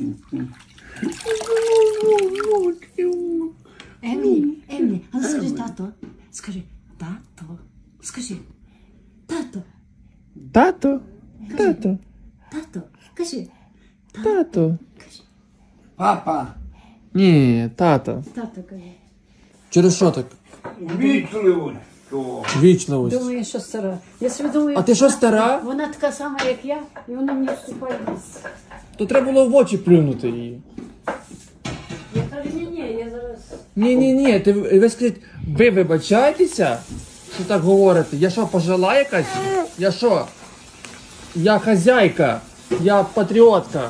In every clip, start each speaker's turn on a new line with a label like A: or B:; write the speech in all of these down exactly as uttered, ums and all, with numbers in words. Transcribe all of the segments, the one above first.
A: Емілі, Емілі, а ну скажи тато. Скажи, тато. Скажи, тато.
B: Тато, тато,
A: Тато. Кажи,
B: тато.
C: Папа,
B: Ні, тато.
A: тато кажи.
B: Через що так?
C: вічливо. Що?
B: Вічливість.
A: Думаю, що стара. Я собі думаю,
B: А ти що, стара?
A: Вона така сама, як я, і вона мені вступає в ліс.
B: То треба було в очі плюнути її.
A: Я кажу, ні-ні, я зараз...
B: Ні, ні, ні, ти ви скажіть, ви вибачаєтеся, що так говорите? Я що, пожила якась? Я що? Я хазяйка, я патріотка.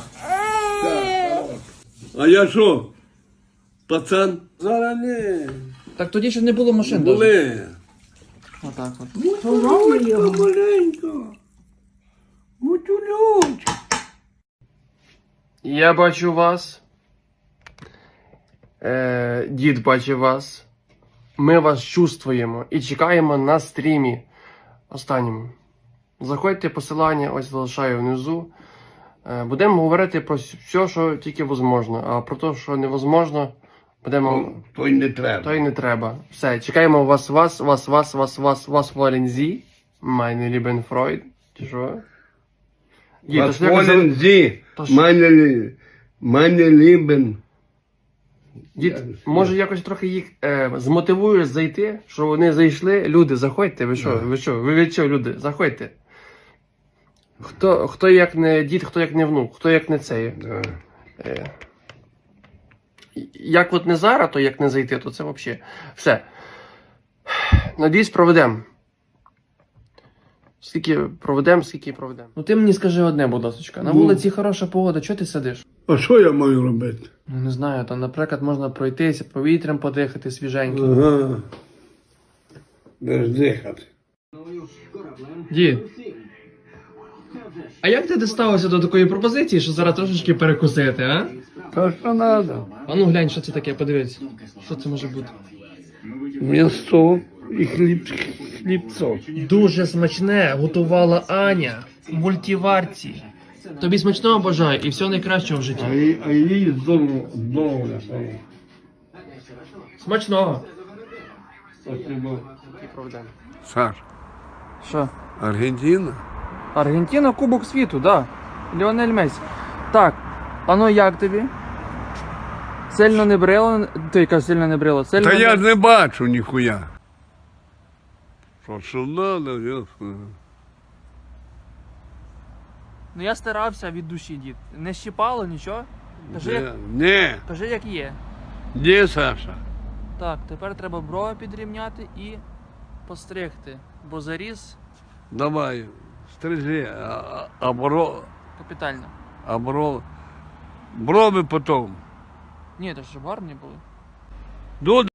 C: А я що? Пацан? Зараз не.
B: Так тоді ще не було машин. даже.
C: Були.
B: Отак от.
A: Поломлю його.
C: Маленько. Мутюлють.
B: Я бачу вас. Е, дід бачить вас. Ми вас чувствуємо і чекаємо на стрімі останньому. Заходьте, посилання ось залишаю внизу. Е, будемо говорити про все, що тільки можливо. А про те, що невозможно, будемо...
C: То й не треба.
B: То й не треба. Все, чекаємо вас, вас, вас, вас, вас, вас, вас, Волен Зі. Meine lieben Freud. Чи що? Дід, то
C: Was
B: ж якось-
C: wollen Sie?
B: то ж-
C: Meine, li- meine Lieben.
B: Дід, може якось трохи їх е, змотивуєш зайти, що вони зайшли. Люди, заходьте, ви що, ви що, ви від чого, люди, заходьте. Хто, хто як не дід, хто як не внук, хто як не цей.
C: Да.
B: Е, як от не зараз, то як не зайти, то це взагалі. Все. Надіюсь, проведемо. Скільки проведемо, скільки проведемо. Ну ти мені скажи одне, будь ласка. На
C: Ну.
B: вулиці хороша погода, чого ти сидиш?
C: А що я маю робити?
B: Ну, не знаю, там, наприклад, можна пройтися, повітрям подихати свіженьким.
C: Ага. Де ж дихати?
B: Дід, а як ти дісталося до такої пропозиції, що зараз трошечки перекусити, а?
C: Та що треба?
B: А ну глянь, що це таке, подивись. Що це може бути?
C: М'ясо і хліб, хлібцо.
B: Дуже смачне готувала Аня в мультиварці. Тобі смачного бажаю і всього найкращого в житті.
C: А їй, а їй здорово, здорово.
B: Смачного.
C: Спасибо.
D: Саш,
B: Що?
D: Аргентина?
B: Аргентина, Кубок світу, да. Ліонель Месі. Так, а ну як тобі? Сильно не брило? Ти яка сильно не брило? Сильно
D: Та
B: не...
D: я ж не бачу ніхуя. Що сюди, да, ясно.
B: Ну я старався від душі, дід. Не щипало нічого? Кажи, як,
D: Не,
B: кажи, як є.
D: де Саша?
B: Так, тепер треба брови підрівняти і постригти. Бо заріз
D: Давай, стрижи, а, а, а бро,
B: капітально.
D: а бро, брови потім.
B: Ні, то ж гарні були.
D: До